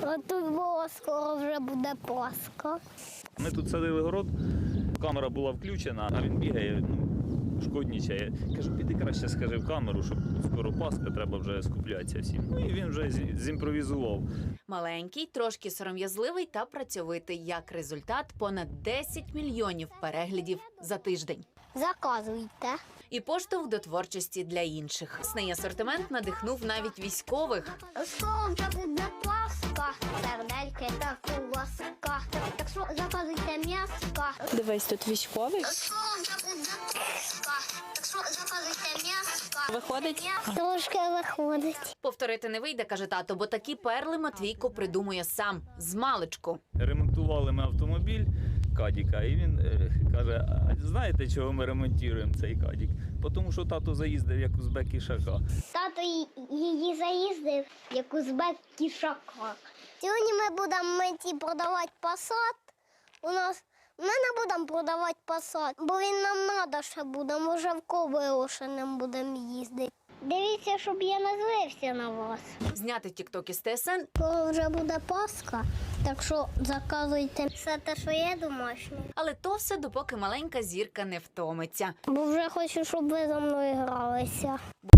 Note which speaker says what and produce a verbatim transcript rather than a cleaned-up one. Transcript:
Speaker 1: А тут було скоро вже буде Пасха.
Speaker 2: Ми тут садили город, камера була включена, а він бігає, ну, шкоднічає. Кажу, піди краще скажи в камеру, щоб скоро Пасха, треба вже скуплятися всім. Ну і він вже зімпровізував.
Speaker 3: Маленький, трошки сором'язливий та працьовитий. Як результат, понад десять мільйонів переглядів за тиждень.
Speaker 1: Заказуйте.
Speaker 3: І поштовх до творчості для інших. Сний асортимент надихнув навіть військових.
Speaker 1: Скоро вже буде Пасха, сердельки та куласка. Так що заказуйте м'яска.
Speaker 4: Дивись, тут військовий.
Speaker 1: Скоро вже буде Пасха, так що заказуйте м'яска.
Speaker 4: Виходить?
Speaker 1: Трошки виходить.
Speaker 3: Повторити не вийде, каже тато, бо такі перли Матвійко придумує сам, змалечку.
Speaker 2: Ремонтували ми автомобіль Кадіка, і він е, каже, а знаєте, чого ми ремонтуємо цей Кадік? Тому що тато заїздив як узбек ішака.
Speaker 1: Тато її заїздив, як узбек кішака. Сьогодні ми будемо менті продавати Пасат. У нас ми не будемо продавати Пасат, бо він нам треба ще буде. Може, в Ковилошинем будемо їздити. Дивіться, щоб я не злився на вас.
Speaker 3: Зняти тік-ток із ТСН.
Speaker 1: Коли вже буде Пасха, так що заказуйте все те, що є домашнє.
Speaker 3: Але то все, допоки маленька зірка не втомиться.
Speaker 1: Бо вже хочу, щоб ви за мною гралися.